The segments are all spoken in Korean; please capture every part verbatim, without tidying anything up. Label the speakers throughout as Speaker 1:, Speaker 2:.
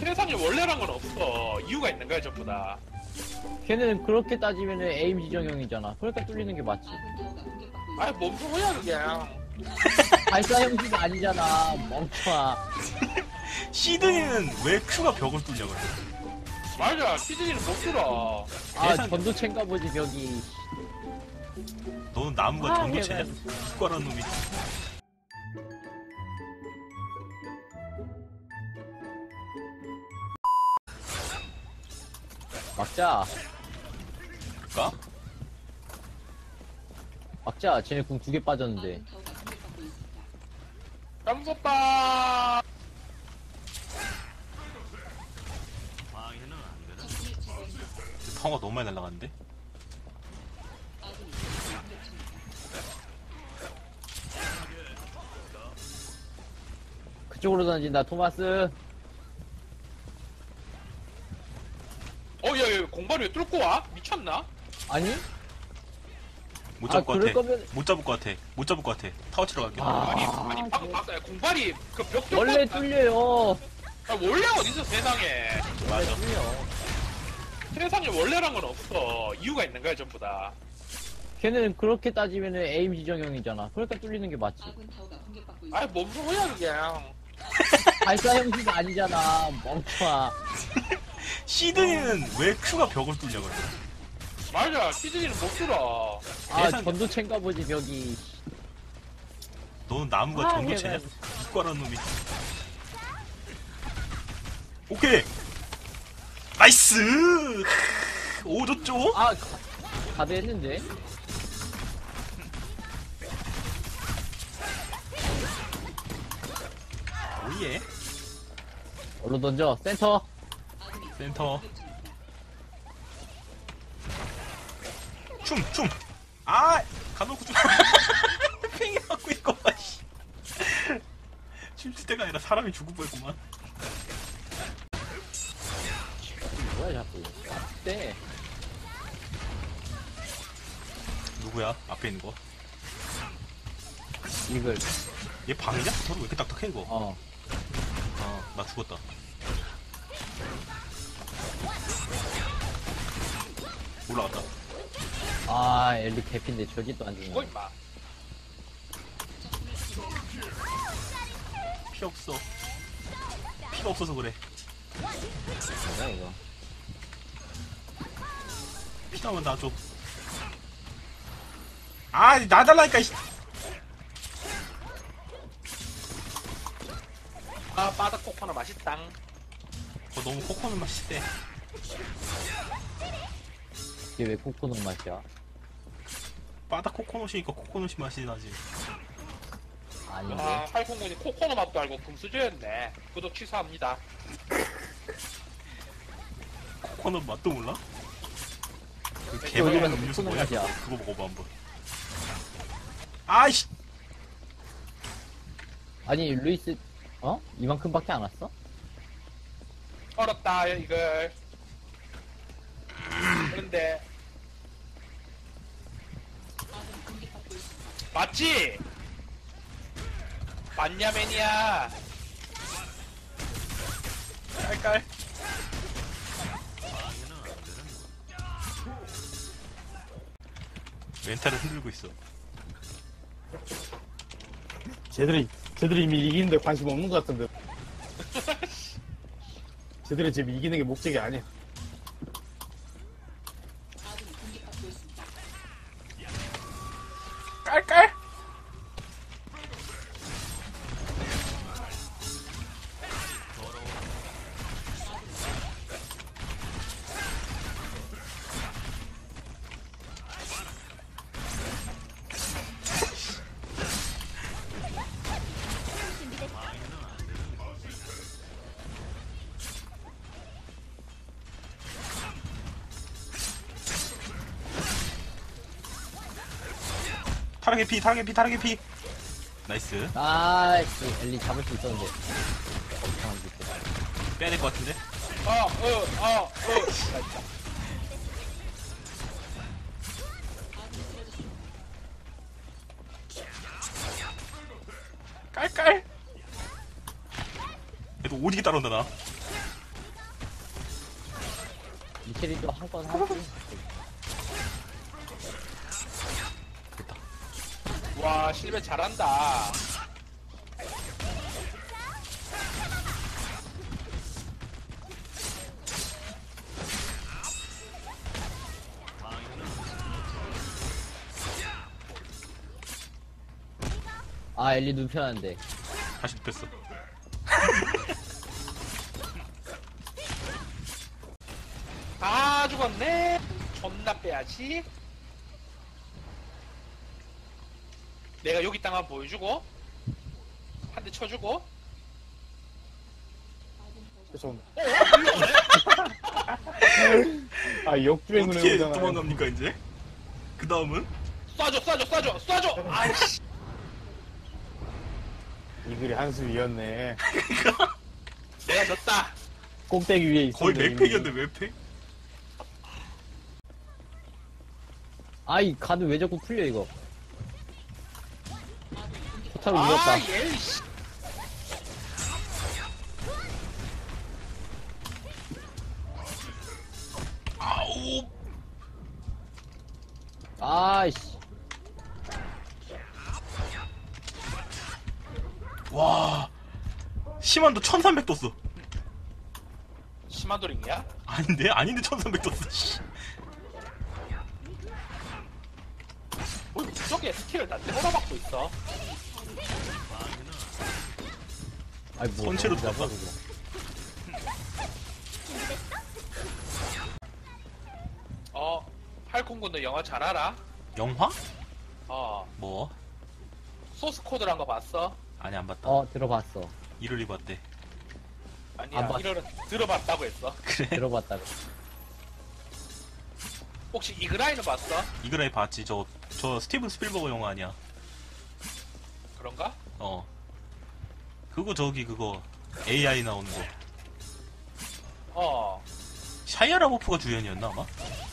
Speaker 1: 세상에 원래란 건 없어. 이유가 있는 거야 전부 다.
Speaker 2: 걔는 그렇게 따지면은 에임 지정형이잖아. 그러니까 뚫리는 게 맞지.
Speaker 1: 아니 뭔 소리야 그게.
Speaker 2: 발사 형식이 아니잖아. 멍청아.
Speaker 3: 시드니는 왜 Q가 벽을 뚫냐 그래.
Speaker 1: 맞아. 시드니는 못 들어.
Speaker 2: 아
Speaker 3: 계산-
Speaker 2: 전도체인가 보지 벽이.
Speaker 3: 너는 나무가
Speaker 2: 아,
Speaker 3: 전도체냐?
Speaker 2: 걔가-
Speaker 3: 국가란 놈이.
Speaker 2: 막자.
Speaker 3: 그니까?
Speaker 2: 막자. 쟤네 궁 두 개 빠졌는데.
Speaker 1: 깜섭다.
Speaker 3: 파워가 너무 많이 날라갔는데?
Speaker 2: 그쪽으로 던진다 토마스.
Speaker 1: 어야 야, 공발이 왜 뚫고 와? 미쳤나?
Speaker 2: 아니?
Speaker 3: 못
Speaker 2: 아
Speaker 3: 잡을 것
Speaker 2: 그럴
Speaker 3: 같아.
Speaker 2: 거면
Speaker 3: 못 잡을 것 같아. 못 잡을 것 같아. 타워 치러 갈게.
Speaker 2: 아.
Speaker 1: 아니 아니 방금 봤어요. 공발이 그 벽 뚫고.
Speaker 2: 원래 뚫려요.
Speaker 1: 아, 원래 어딨어 세상에.
Speaker 2: 원래 뚫려.
Speaker 1: 세상에 원래란 건 없어. 이유가 있는 거야 전부 다.
Speaker 2: 걔는 그렇게 따지면은 에임 지정형이잖아. 그러니까 뚫리는 게 맞지.
Speaker 1: 아니 뭔 소리야 그게.
Speaker 2: 발사 형식이 아니잖아. 멍청아.
Speaker 3: 시드니는 왜 Q가 벽을 뚫냐 그래.
Speaker 1: 맞아. 시드니는 못 들어.
Speaker 2: 아
Speaker 3: 계산-
Speaker 2: 전도체인가 보지 벽이.
Speaker 3: 너는 나무가
Speaker 2: 아,
Speaker 3: 전도체냐?
Speaker 2: 걔가-
Speaker 3: 국가란 놈이. 오케이! 나이스! 오, 좋죠?
Speaker 2: 아 가드 했는데.
Speaker 3: 오예.
Speaker 2: 얼른 던져. 센터.
Speaker 3: 센터. 춤, 춤! 아! 가놓고 좀. 팽이 맞고 있고, 씨. 춤출 때가 아니라 사람이 죽을 뻔했구만.
Speaker 2: 뭐야 자꾸. 네.
Speaker 3: 누구야? 앞에 있는 거.
Speaker 2: 이글.
Speaker 3: 얘 방이냐? 서로 왜 이렇게 딱딱해, 이거?
Speaker 2: 어.
Speaker 3: 아, 나 죽었다. 올라갔다.
Speaker 2: 아 엘리 개핀데 저기도 안
Speaker 1: 죽어
Speaker 2: 주네.
Speaker 1: 임마.
Speaker 3: 피 없어. 피가 없어서 그래.
Speaker 2: 뭐야 이거.
Speaker 3: 피 나면 나 줘. 아, 나 달라니까, 이씨.
Speaker 1: 아 바닥 코코넛 맛있당.
Speaker 3: 어, 너무 코코넛 맛이 세.
Speaker 2: 이게 왜 코코넛 맛이야?
Speaker 3: 바닥 코코넛이니까 코코넛이 맛이 나지.
Speaker 2: 아닌데.
Speaker 1: 아 팔공군이 코코넛 맛도 알고 금수저였네. 구독 취소합니다.
Speaker 3: 코코넛 맛도 몰라? 그
Speaker 2: 여기는
Speaker 3: 개발한 음료수
Speaker 2: 코코넛
Speaker 3: 뭐야?
Speaker 2: 맛이야.
Speaker 3: 그거 먹어봐 한번. 아이씨.
Speaker 2: 아니 루이스 어? 이만큼밖에 안 왔어?
Speaker 1: 어렵다 이걸. 그런데 맞지? 맞냐 매니아.
Speaker 3: 깔깔. 멘탈을 흔들고 있어.
Speaker 4: 쟤들이 쟤들이 이미 이기는데 관심 없는 것 같은데. 쟤들이 지금 이기는 게 목적이 아니야.
Speaker 3: 깔깔. 타락의 피, 타락의 피, 타락의 피. 나이스.
Speaker 2: 아이씨 엘리 잡을 수 있었는데. 엄청한 짓.
Speaker 3: 빼야 될 것 같은데?
Speaker 1: 어, 어, 어, 어.
Speaker 3: 깔깔. 얘도 오지게 따라온다 나.
Speaker 2: 미체리도 한 건 하지.
Speaker 1: 와 실베 잘한다.
Speaker 2: 아, 엘리 눕혀놨는데.
Speaker 3: 다시 눕혔어.
Speaker 1: 아 죽었네. 존나 빼야지. 내가 여기 땅 한번 보여주고 한 대 쳐주고.
Speaker 4: 죄송합니다.
Speaker 1: 어? 밀려오네?
Speaker 4: 아, 역주행을
Speaker 3: 어떻게
Speaker 4: 해보잖아요.
Speaker 3: 도망갑니까 이제? 그 다음은?
Speaker 1: 쏴줘 쏴줘 쏴줘 쏴줘. 아이씨.
Speaker 4: 이 글이 한수 위였네.
Speaker 1: 내가 졌다.
Speaker 4: 꼭대기 위에 있어.
Speaker 3: 거의 맥팩이었는데 맥팩?
Speaker 2: 아이, 가드 왜 자꾸 풀려, 이거. 포탈을 울렸다.
Speaker 1: 아 예이씨.
Speaker 3: 아오.
Speaker 2: 아이씨.
Speaker 3: 와. 심한도 천삼백 떴어.
Speaker 1: 시마도링이야?
Speaker 3: 아닌데? 아닌데 천삼백 떴어. 씨.
Speaker 1: 뭐 저게 스킬을 나한테 몰아받고 있어.
Speaker 2: 아이, 뭐.
Speaker 3: 선체로
Speaker 2: 너무
Speaker 3: 들어가.
Speaker 2: 나빠서.
Speaker 1: 어 팔콩군 너 영화 잘 알아?
Speaker 3: 영화?
Speaker 1: 어
Speaker 3: 뭐?
Speaker 1: 소스 코드란 거 봤어?
Speaker 3: 아니 안 봤다.
Speaker 2: 어, 들어봤어.
Speaker 3: 이를 입었대.
Speaker 1: 아니야
Speaker 2: 안 봤어.
Speaker 1: 이거는 들어봤다고 했어.
Speaker 3: 그래.
Speaker 2: 들어봤다고.
Speaker 1: 혹시 이그라인은 봤어?
Speaker 3: 이그라이 봤지. 저, 저 스티븐 스필버그 영화 아니야.
Speaker 1: 그런가?
Speaker 3: 어. 그거 저기 그거 에이아이 나오는 거.
Speaker 1: 어
Speaker 3: 샤이아 라보프가 주연이었나 아마?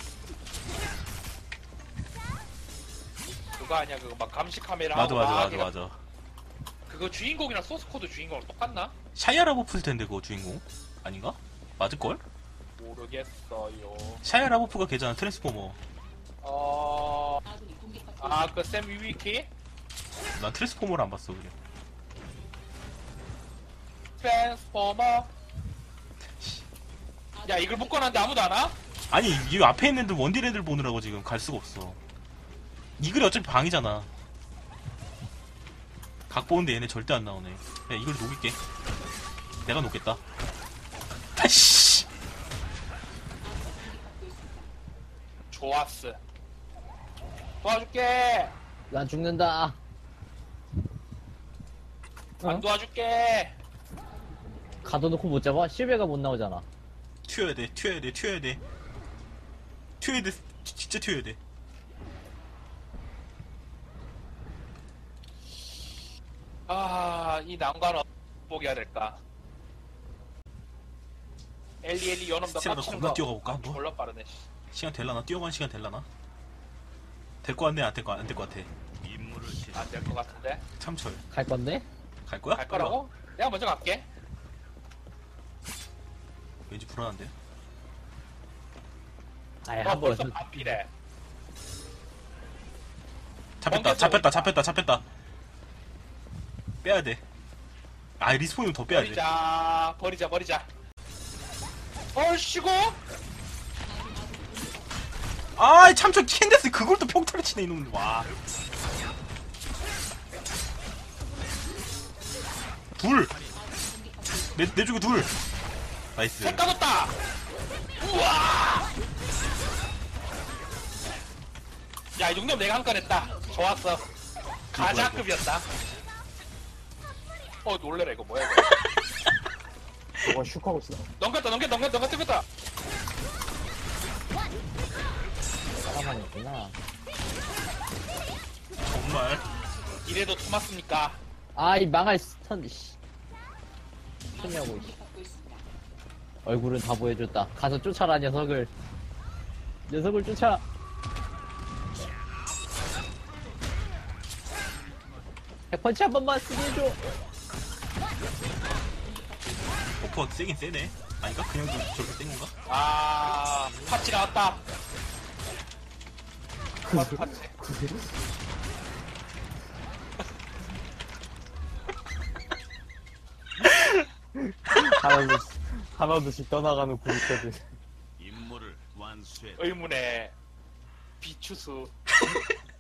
Speaker 1: 그거 아니야 그거 막 감시 카메라
Speaker 3: 맞아
Speaker 1: 하고
Speaker 3: 맞아
Speaker 1: 막
Speaker 3: 맞아
Speaker 1: 해가-
Speaker 3: 맞아.
Speaker 1: 그거 주인공이랑 소스 코드 주인공은 똑같나?
Speaker 3: 샤이아 라보프일 텐데 그거 주인공 아닌가? 맞을걸?
Speaker 1: 모르겠어요.
Speaker 3: 샤이아 라보프가 걔잖아 트랜스포머.
Speaker 1: 어... 아, 그 샘 위위키?
Speaker 3: 난 트랜스포머를 안 봤어 그래.
Speaker 1: 트랜스포머? 야, 이걸 묶어놨는데 아무도 안 와?
Speaker 3: 아니 이 앞에 있는 애들 원딜 애들 보느라고 지금 갈 수가 없어. 이 글이 어차피 방이잖아. 각 보는데 얘네 절대 안 나오네. 야 이걸 녹일게. 내가 녹겠다. 아이씨.
Speaker 1: 좋았어. 도와줄게!
Speaker 2: 난 죽는다.
Speaker 1: 안
Speaker 2: 어?
Speaker 1: 도와줄게!
Speaker 2: 가둬놓고 못 잡아? 실베가 못 나오잖아.
Speaker 3: 튀어야 돼 튀어야 돼 튀어야 돼 튀어야 돼 진짜 튀어야 돼.
Speaker 1: 아, 이 난관은 어떻게 해야 될까? 엘리 엘리 요놈 더
Speaker 3: 스티븐 너
Speaker 1: 깝치는
Speaker 3: 겁나
Speaker 1: 거
Speaker 3: 뛰어가볼까 한번?
Speaker 1: 졸라 빠르네. 씨.
Speaker 3: 시간 될라나? 뛰어가는 시간 될라나? 될 거 같네 안 될 거 안 될 거 같아.
Speaker 1: 안 될 것 같은데?
Speaker 3: 참철
Speaker 2: 갈 건데?
Speaker 3: 갈 거야?
Speaker 1: 갈 거라고? 내가 먼저 갈게.
Speaker 3: 왠지 불안한데?
Speaker 2: 아예
Speaker 1: 어,
Speaker 2: 한
Speaker 1: 벌써
Speaker 2: 번.
Speaker 1: 반피래.
Speaker 3: 잡혔다
Speaker 1: 번개도
Speaker 3: 잡혔다
Speaker 1: 있다.
Speaker 3: 잡혔다 잡혔다. 빼야 돼. 아 리스폰이면 더 빼야 돼.
Speaker 1: 버리자, 버리자, 버리자. 얼씨고?
Speaker 3: 아 참철 캔데스 그걸 또 평타를 치네 이놈들. 와. 둘. 내, 내 쪽에 둘. 나이스.
Speaker 1: 색 까졌다! 우와! 야, 이 정도면 내가 한 건 했다. 좋았어. 가자급이었다. 어, 놀래라, 이거 뭐야, 이거.
Speaker 4: 저거 슉하고 있어.
Speaker 1: 넘겼다, 넘겼다, 넘겼다, 넘겼다, 넘겼다.
Speaker 2: 사람만 있구나.
Speaker 3: 정말.
Speaker 1: 이래도 토마스입니까?
Speaker 2: 아이, 망할 스턴, 씨. 쳤냐고, 씨. 얼굴은 다 보여줬다. 가서 쫓아라, 녀석을. 녀석을 쫓아. 핵펀치 한 번만 쓰게 해줘.
Speaker 3: 포퍼 세긴 세네. 아닌가? 그냥 저- 저렇게 뗀 건가?
Speaker 1: 아, 팥찌 나왔다. 팥, 팥찌.
Speaker 4: 하나둘씩, 하나둘씩 떠나가는 구독자들.
Speaker 5: 임무를 완수해.
Speaker 1: 의문의 비추수.